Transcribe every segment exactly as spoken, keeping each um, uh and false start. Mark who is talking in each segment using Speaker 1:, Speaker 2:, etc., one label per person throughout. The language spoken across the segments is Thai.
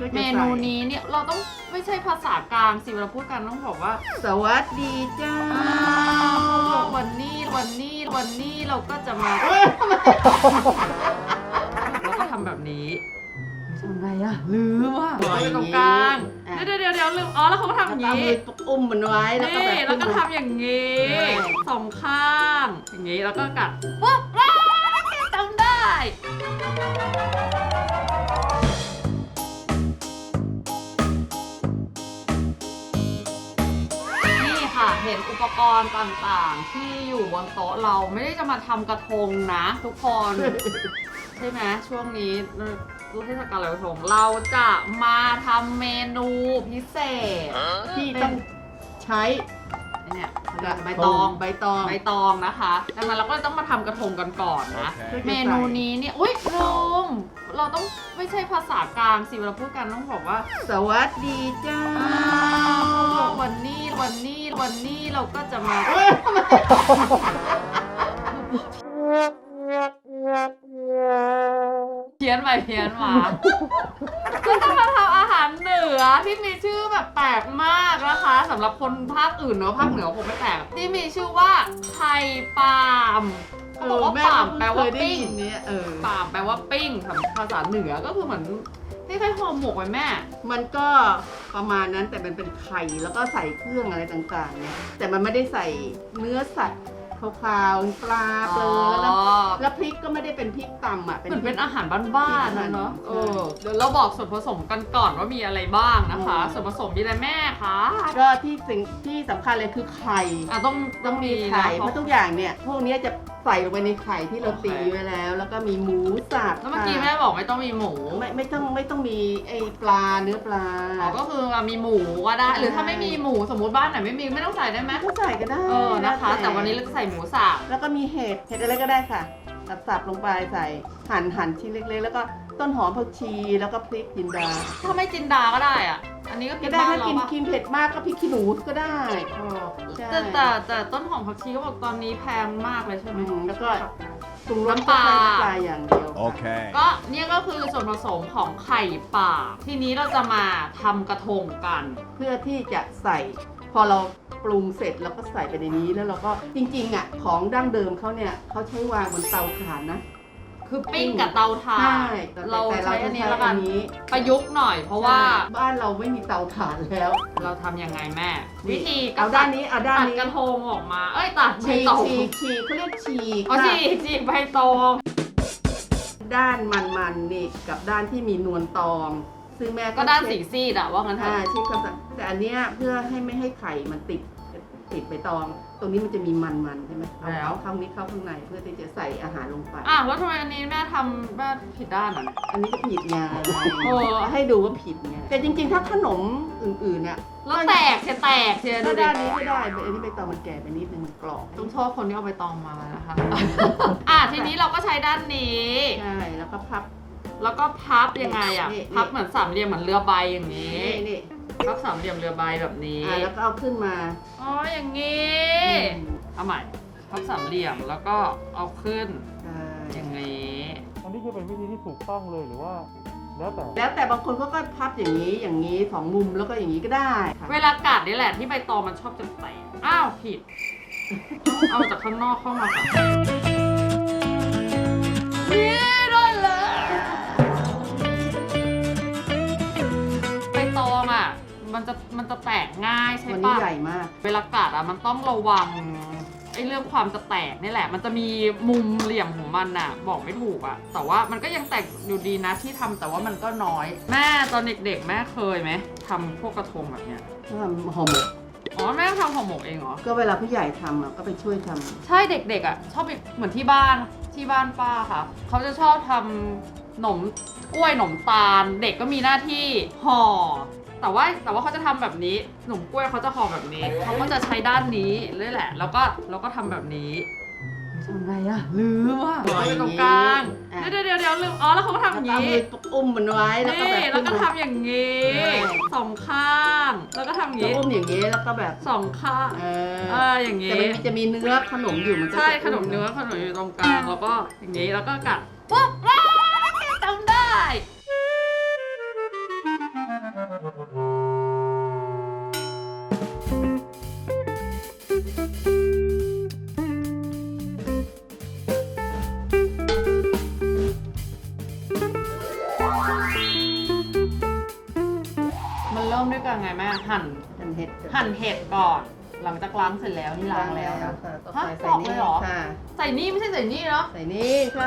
Speaker 1: เมนูนี้เนี่ยเราต้องไม่ใช่ภาษากลางสิเวลาพูดกันต้องบอกว่า
Speaker 2: สวัสดีจ้า
Speaker 1: วันนี้วันนี้วันนี้เราก็จะมาแล้วก็ทำแบบนี้ทำไงอะลืมว่ะไปตรงกลางเดี๋ยวเดี๋ยวเดี๋ยวลืมอ๋อแล้วเขาก็ทำอย่างนี้
Speaker 2: อุ้มมันไว้แล้วก็แบบ
Speaker 1: แล้วก็ทำอย่างนี้สองข้างอย่างนี้แล้วก็กัดปุ๊บจำได้เห็นอุปกรณ์ต่างๆที่อยู่บนโต๊ะเราไม่ได้จะมาทำกระทงนะทุกคน ใช่ไหมช่วงนี้รู้เทศกาลลอยกระทงเราจะมาทำเมนูพิเศษ
Speaker 2: ที่ต้องใช้
Speaker 1: เนี่ยใบตอง
Speaker 2: ใบตอง
Speaker 1: ใบตองนะคะดังนั้นเราก็ต้องมาทำกระทงกันก่อนนะ เมนูนี้เนี่ยอุ้ยลืมเราต้องไม่ใช่ภาษากลางสิเวลาพูดกันต้องบอกว่า
Speaker 2: สวัสดีจ้า
Speaker 1: วันนี้วันนี้วันนี้เราก็จะมาเพี้ยนไปเพี้ยนมาก็จะมาทำอาหารเหนือที่มีชื่อแบบแปลกมากนะคะสำหรับคนภาคอื่นเนอะภาคเหนือคงไม่แปลกที่มีชื่อว่าไข่ปาล์มเขาบอกว่าปาล์มแปลว่าปิ้งปาล์มแปลว่าปิ้งภาษาเหนือก็คือเหมือนที่คล้ายห่อหมกไว้แม่
Speaker 2: มันก็ประมาณนั้นแต่มันเป็นไข่แล้วก็ใส่เครื่องอะไรต่างๆเนี่ยแต่มันไม่ได้ใส่เนื้อสัตว์ขาวๆปลาเปลือกแล้วแล้วพริกก็ไม่ได้เป็นพริกตำอ่ะ
Speaker 1: เหมือนเป็นอาหารบ้านๆนะเนาะเออเดี๋ยวเราบอกส่วนผสมกันก่อนว่ามีอะไรบ้างนะคะส่วนผสมมีอะไรแม่คะ
Speaker 2: ก็ที่สิ่งที่สำคัญเลยคือไข่
Speaker 1: อ่ะต้อง
Speaker 2: ต้องมีไข่เพราะทุกอย่างเนี่ยพวกนี้จะใส่ลงไปในไข่ที่เราตีไว้แล้วแล้วก็มีหมูสับ
Speaker 1: แล้วเมื่อกี้แม่บอกไม่ต้องมีหมู
Speaker 2: ไม่ไม่ต้องไม่ต้องมีไอ้ปลาเนื้อปลา
Speaker 1: อ๋อก็คือมีหมูก็ได้หรือถ้าไม่มีหมูสมมติบ้านไหนไม่มีไม่ต้องใส่ได้ไหม
Speaker 2: ก็ใส่ก็ได้
Speaker 1: เออนะคะแต่วันนี้เราจะใส่หมูสับ
Speaker 2: แล้วก็มีเห็ดเห็ดอะไรก็ได้ค่ะสับๆลงไปใส่หั่นหั่นชิ้นเล็กๆแล้วก็ต้นหอมผักชีแล้วก็พริกจินดา
Speaker 1: ถ้าไม่จินดาก็ได้อ่ะอันนี้ก็
Speaker 2: กินได้ถ้ากินกินเผ็ดมากก็พริกขี้หนูก็ได้
Speaker 1: แต่แต่แต่ต้นหอมผักชีก็บอกตอนนี้แพงมากเลยใช่ไหม
Speaker 2: แล้วก็ปรุงรสปลาปลาอย่างเดียว
Speaker 1: โอเคก็เนี่ยก็คือส่วนผสมของไข่ป่าทีนี้เราจะมาทำกระทงกัน
Speaker 2: เพื่อที่จะใส่พอเราปรุงเสร็จแล้วก็ใส่ไปในนี้แล้วเราก็จริงๆอ่ะของดั้งเดิมเขาเนี่ยเขาใช้วางบนเตาถ่านนะ
Speaker 1: คือปิ้งกับเตาถ่านเราใช้อันนี้แล้วกันประยุกต์หน่อยเพราะว่า
Speaker 2: บ้านเราไม่มีเตาถ่านแล้ว
Speaker 1: เราทำยังไงแม่วิธี
Speaker 2: เอาด้านนี้เอาด้านนี้
Speaker 1: ตัดกระทงออกมาเอ้ยตัด
Speaker 2: ฉีกฉีกฉีกเขาเรียกฉีก
Speaker 1: อ๋อฉีกฉีกใบตอง
Speaker 2: ด้านมันๆนี่กับด้านที่มีนวลตองซึ่งแม่
Speaker 1: ก็ด้านสีซีดอะว่างั้น
Speaker 2: ค่ะใช่ค่ะแต่อันเนี้ยเพื่อให้ไม่ให้ไข่มันติดติดใบตองตรงนี้มันจะมีมันๆใช่ไหมเอาเข้าข้างนี้เข้าข้างในเพื่อที่จะใส่อาหารลงไป
Speaker 1: อ่ะแล้วทำไมอันนี้แม่ทำแม่ผิดด้านอ่ะ
Speaker 2: อันนี้ก็ผิดไงโอ้ให้ดูว่าผิดไงแต่จริงๆถ้าขนมอื่นๆเนี่ย
Speaker 1: แล้วแตกจะแตกเชีย
Speaker 2: ร์ด้านนี้ไม่ได้อันนี้ใบตองมันแก่ไปนิดนึงมันกรอบ
Speaker 1: ต้องชอบคนที่เอาใบตองมานะคะอ่ะทีนี้เราก็ใช้ด้านนี้
Speaker 2: ใช่แล้วก็พับ
Speaker 1: แล้วก็พับยังไงอ่ะพับเหมือนสามเหลี่ยมเหมือนเรือใบอย่างนี้พับสามเหลี่ยมเรือใบแบบนี้
Speaker 2: แล้วก็เอาขึ้นมา
Speaker 1: อ๋ออย่างนี้เอาใหม่พับสามเหลี่ยมแล้วก็เอาขึ้นอย่างนี้
Speaker 3: อันนี้คือเป็นวิธีที่ถูกต้องเลยหรือว่าแล้วแต่
Speaker 2: แล้วแต่บางคนก็ก็พับอย่างนี้อย่างนี้สองมุมแล้วก็อย่างนี้ก็ได้
Speaker 1: เวลากัดนี่แหละที่ใบตองมันชอบจะแตกอ้าวผิดเอาจากข้างนอกเข้ามาค่ะนี่ได้เลยใบตองอ่ะมันจะมันจะแตกง่ายใช่ปะ
Speaker 2: มันใหญ่มาก
Speaker 1: เวลากัดอ่ะมันต้องระวังไอ้เรื่องความจะแตกนี่แหละมันจะมีมุมเหลี่ยมของมันน่ะบอกไม่ถูกอ่ะแต่ว่ามันก็ยังแตกอยู่ดีนะที่ทำแต่ว่ามันก็น้อยแม่ตอนเด็กๆแม่เคยไหมทำพวกกระทงแบบเนี้ย
Speaker 2: ทำห่อหมก
Speaker 1: อ๋อแม่ทำห่อหมกเองเหรอ
Speaker 2: ก็เวลาผู้ใหญ่ทำอ่ะก็ไปช่วยทำ
Speaker 1: ใช่เด็กๆอ่ะชอบเหมือนที่บ้านที่บ้านป้าค่ะเขาจะชอบทำหนมกล้วยหนมตาลเด็กก็มีหน้าที่ห่อแต่ว่าแต่ว่าเขาจะทำแบบนี้หนมกล้วยเขาจะห่อแบบนี้เขาก็จะใช้ด้านนี้เลยแหละแล้วก็แล้วก็ทำแบบนี้ทำไงอะลืมว่ะไปตรงกลางเดี๋ยวเดี๋ยวเดี๋ยวลืมอ๋อแล้วเขาก็ทำอย่างนี้
Speaker 2: อุ้มมันไว้
Speaker 1: แล้วก็แบบแล้วก็ทำอย่างนี้สองข้างแล้วก็ทำอย่างนี้
Speaker 2: อุ้มอย่างนี้แล้วก็แบบ
Speaker 1: สองข้าง
Speaker 2: เอ
Speaker 1: ออย่างนี้
Speaker 2: แต่มันจะมีเนื้อขนมอยู่มัน
Speaker 1: ใช่ขนมเนื้อขนมอยู่ตรงกลางแล้วก็อย่างนี้แล้วก็กัดปุ๊บจำได้มด้วยกันไงแม่หั่น
Speaker 2: หั่นเห็ด
Speaker 1: หั่นเห็ดก่อน หลังจากล้างเสร็จแล้วนี่ล้างแล้วนะ
Speaker 2: ค่ะต่อ
Speaker 1: ฮะ
Speaker 2: ไป
Speaker 1: ป
Speaker 2: ใส่
Speaker 1: อก
Speaker 2: นี่
Speaker 1: เลยเหรอ
Speaker 2: ค่ะ
Speaker 1: ใส่นี่ไม่ใช่ใส่นี่เนาะ
Speaker 2: ใส่นี่ค่ะ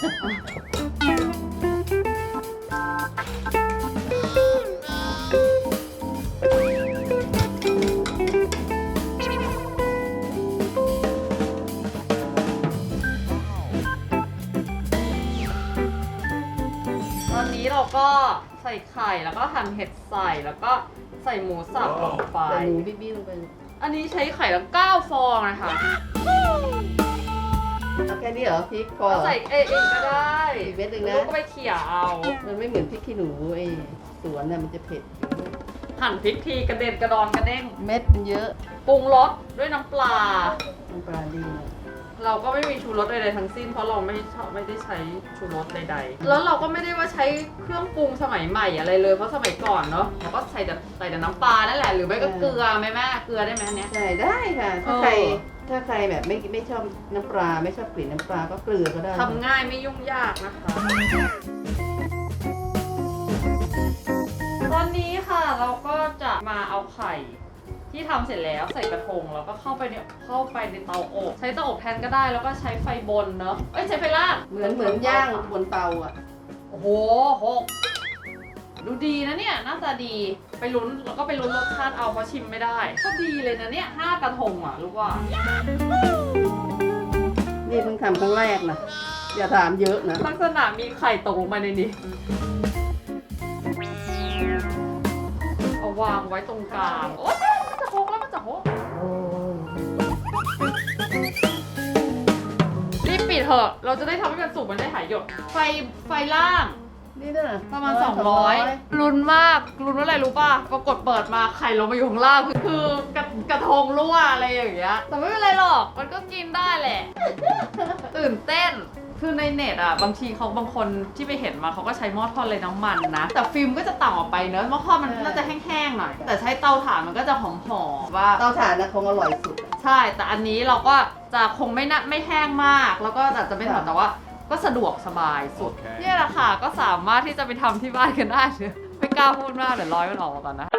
Speaker 1: ตอนนี้เราก็ใส่ไข่แล้วก็หั่นเห็ดใส่แล้วก็ใส่หมูสับลงไป
Speaker 2: ใส่หมูบี้ๆลงไป
Speaker 1: อันนี้ใช้ไข่แล้วเก้าฟองนะคะ
Speaker 2: เอาแค่นี้เหรอพริกพอ
Speaker 1: ก็ใส่เองเองก็ได้
Speaker 2: อีกเม็ดหนึ่งนะ
Speaker 1: ลูกก็ไปเขี่ยเอา
Speaker 2: มันไม่เหมือนพริกขี้หนูไอ้สวนน่ะมันจะเผ็ด
Speaker 1: หั่นพริกทีกระเด็นกระดอนกระเด้ง
Speaker 2: เม็ดมันเยอะ
Speaker 1: ปรุงรสด้วยน้ำปลา
Speaker 2: น้ำปลาดีนะ
Speaker 1: เราก็ไม่มีชูรสใดๆทั้งสิ้นเพราะเราไม่ชอบไม่ได้ใช้ชูรสใดๆ แล้วเราก็ไม่ได้ว่าใช้เครื่องปรุงสมัยใหม่อะไรเลยเพราะสมัยก่อนเนาะเราก็ใส่แต่ใส่แต่น้ำปลานั่นแหละหรือไม่ก็เกลือไหมแม่เกลือได้ไหมอันเนี้ย
Speaker 2: ใส่ได้ค่ะ ถ้า
Speaker 1: เออ
Speaker 2: ใครถ้าใครแบบไม่ไม่ชอบน้ำปลาไม่ชอบกลิ่นน้ำปลาก็เกลือก็ได้
Speaker 1: ทำง่ายไม่ยุ่งยากนะคะ ตอนนี้ค่ะเราก็จะมาเอาไข่ที่ทำเสร็จแล้วใส่กระทงแล้วก็เข้าไปเนี่ยเข้าไปในเตาอบใช้เตาอบแทนก็ได้แล้วก็ใช้ไฟบนเนาะเอ้ยใช้ไฟล่าง
Speaker 2: เหมือนเหมือนย่างบนเตาอ่ะ
Speaker 1: โอ้โหหกดูดีนะเนี่ยหน้าตาดีไปลุ้นแล้วก็ไปลุ้นรสชาติเอาเพราะชิมไม่ได้ก็ดีเลยนะเนี่ยห้ากระทงอ่ะรู้ว่า
Speaker 2: นี่เพิ่งทำครั้งแรกนะอย่าถามเยอะนะ
Speaker 1: ลักษณะมีไข่ตกลงมาในนี้เอาวางไว้ตรงกลางโอ๊ยมันจะหกแล้วมันจะหกรีบปิดเถอะเราจะได้ทำให้มันสุกมันได้หายหยดไฟไฟล่าง
Speaker 2: นี่น่ะ
Speaker 1: ประมาณสองร้อยลุ้นมากลุ้นว่าอะไรรู้ป่ะปรากฏเปิดมาไข่ลงมาอยู่ข้างล่างคือคือกระกระทงรั่วอะไรอย่างเงี้ยแต่ไม่เป็นไรหรอกมันก็กินได้แหละ ตื่นเต้นคือในเน็ตอ่ะบางทีเขาบางคนที่ไปเห็นมาเขาก็ใช้หม้อทอดเลยน้ำมันนะแต่ฟิล์มก็จะต่างออกไปเนอะหม้อทอดมันน่าจะแห้งๆหน่อยแต่ใช้เตาถ่านมันก็จะหอมๆว่า
Speaker 2: เตาถ่านนะคงอร่อยสุด
Speaker 1: ใช่ แต่อันนี้เราก็จะคงไม่นะไม่แห้งมาก แล้วก็อาจจะไม่ถอดแต่ว่าก็สะดวกสบายสุด
Speaker 3: โอเค
Speaker 1: เนี่ยแหละค่ะ ก็สามารถที่จะไปทำที่บ้านกันได้เลยไม่กล้าพูดมากเดี๋ยวร้อยมันออกมาก่อนนะ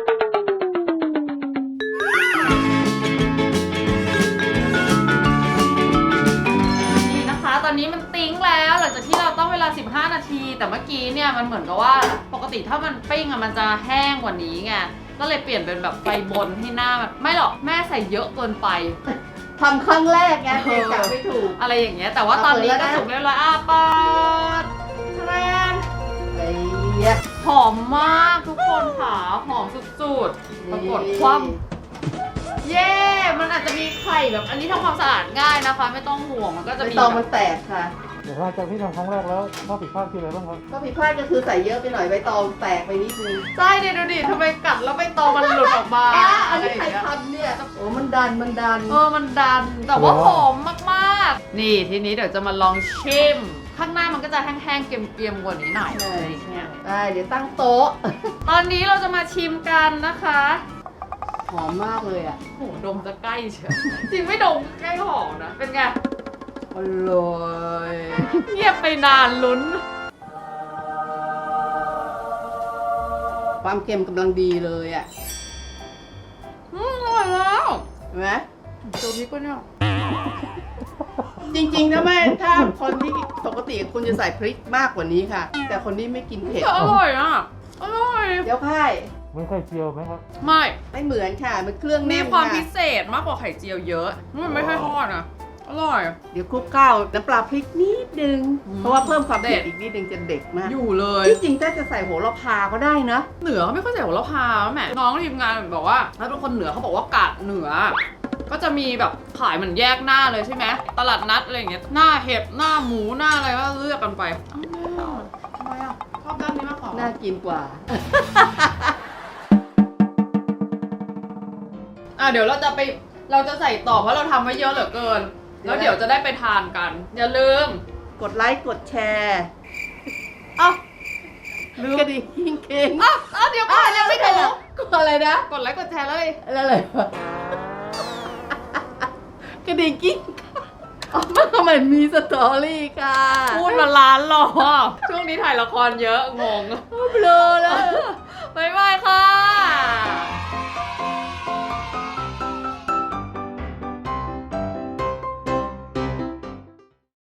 Speaker 1: นี่นะคะ ตอนนี้มันติ้งแล้วหลังจากที่เราต้องเวลาสิบห้านาที แต่เมื่อกี้เนี่ยมันเหมือนกับว่าปกติถ้ามันปิ้งอะมันจะแห้งกว่านี้ไง ก็เลยเปลี่ยนเป็นแบบไฟบนให้หน้ามันไม่หรอกแม่ใส่เยอะเกินไป
Speaker 2: ทำครั้งแรกไงเลยจับไม่ถูก
Speaker 1: อะไรอย่างเงี้ยแต่ว่าตอนนี้ก็สุกเรียบร้อยอ่ะเปิดแทรน
Speaker 2: ไอ้เหี้ย
Speaker 1: หอมมากทุกคนค่ะหอมสุดๆปรากฏคว่ำเย้มันอาจจะมีไข่แบบอันนี้ทำความสะอาดง่ายนะคะ ไม่ต้องห่วงมันก็จะ
Speaker 2: ใบ
Speaker 1: มี
Speaker 2: ตอง
Speaker 1: แบ
Speaker 2: มัน
Speaker 1: บ
Speaker 2: แตกค่ะ
Speaker 3: เดี๋ยวหลังจากที่ทำครั้งแรกแล้วข้อผิดพลาดคืออะไรบ้างครับ
Speaker 2: ก็ผิดพลาดก็คือใส่เยอะไปหน่อยใบตองแตกไปนิดนึง
Speaker 1: ใช่ดิดูดิทำไมกัดแล้วใบตองมันหลุดออกมา
Speaker 2: อ่ะอั
Speaker 1: อะ
Speaker 2: น
Speaker 1: ไร
Speaker 2: นี้
Speaker 1: อย่า
Speaker 2: ใครง
Speaker 1: เงี้ย
Speaker 2: ทำเนี่ย โอ้มันดันมันดัน
Speaker 1: เออมันดันแต่ว่าหอมมากๆ นี่ทีนี้เดี๋ยวจะมาลองชิมข้างหน้ามันก็จะแห้งๆเกรียมๆกว่านี้หน่อยอะไรอย่างเงี้ย
Speaker 2: ได้เดี๋ยวตั้งโต๊ะ
Speaker 1: ตอนนี้เราจะมาชิมกันนะคะ
Speaker 2: หอมมากเลยอ่ะ
Speaker 1: โหดมจะใกล้เชียวจริงไม่ดมใกล้หอมนะ เป็นไง
Speaker 2: อร่อย
Speaker 1: เงียบไปนานลุ้น
Speaker 2: ความเค็มกำลังดีเลยอ่ะ
Speaker 1: อืมอร่อยแล้ว
Speaker 2: เห็นไหม
Speaker 1: ตัวนี้ก็เนี่ย
Speaker 2: จริงๆนะแม่ถ้าคนที่ปกติคุณจะใส่พริกมากกว่านี้ค่ะ แต่คนนี้ไม่กินเผ็ด
Speaker 1: แต่อร่อยอ่ะ อร่อย
Speaker 2: เดี๋ยวค่าย
Speaker 3: ไม่ไข่เจียวไหมครับ
Speaker 1: ไม่
Speaker 2: ไม่เหมือนค่ะ มันเครื่อง
Speaker 1: มี
Speaker 2: แน่น
Speaker 1: ความ
Speaker 2: ค่ะ
Speaker 1: พิเศษมากกว่าไข่เจียวเยอะมันไม่ค่อยทอดอ่ะ อร่อย
Speaker 2: เดี๋ยวคลุกข้าวน้ำปลาพริกนิดนึง
Speaker 1: อืม
Speaker 2: เพราะว่าเพิ่มความ
Speaker 1: เด็
Speaker 2: เผ็ด
Speaker 1: ด
Speaker 2: อีกนิดนึงจะเด็ดมาก
Speaker 1: อยู่เลย
Speaker 2: ที่จริงถ้าจะใส่โหระพาก็ได้นะ
Speaker 1: เหนือเขาไม่ค่อยใส่โหระพาแหมน้องทีมงานบอกว่าถ้าเป็นคนเหนือเขาบอกว่ากาดเหนือ ก็จะมีแบบขายเหมือนแยกหน้าเลยใช่ไหมตลาดนัดอะไรอย่างเงี้ยหน้าเห็ดหน้าหมูหน้าอะไรก็เลือกกันไปอ้าวทำไมอ่ะชอบด้านนี้มากกว่า
Speaker 2: น่ากินกว่า
Speaker 1: อ่ะเดี๋ยวเราจะไปเราจะใส่ต่อเพราะเราทำไว้เยอะเหลือเกิน แล้วเดี๋ยวจะได้ไปทานกัน อย่าลืม
Speaker 2: กดไลค์กดแชร์
Speaker 1: เอ้าลืม
Speaker 2: กระดิ่งกิ้งเค้ง
Speaker 1: เอ้าเอ้าเดี๋ยวก่อนยังไม่ถึง
Speaker 2: กดอะไรนะ
Speaker 1: กดไลค์กดแชร์เลย
Speaker 2: อะไรอะไรวะกระดิ่งกิ้งมันมีสตอรี่ค่ะ
Speaker 1: พูดมาล้านรอบช่วงนี้ถ่ายละครเยอะงง
Speaker 2: เบลอแล้ว
Speaker 1: บ๊ายบายค่ะ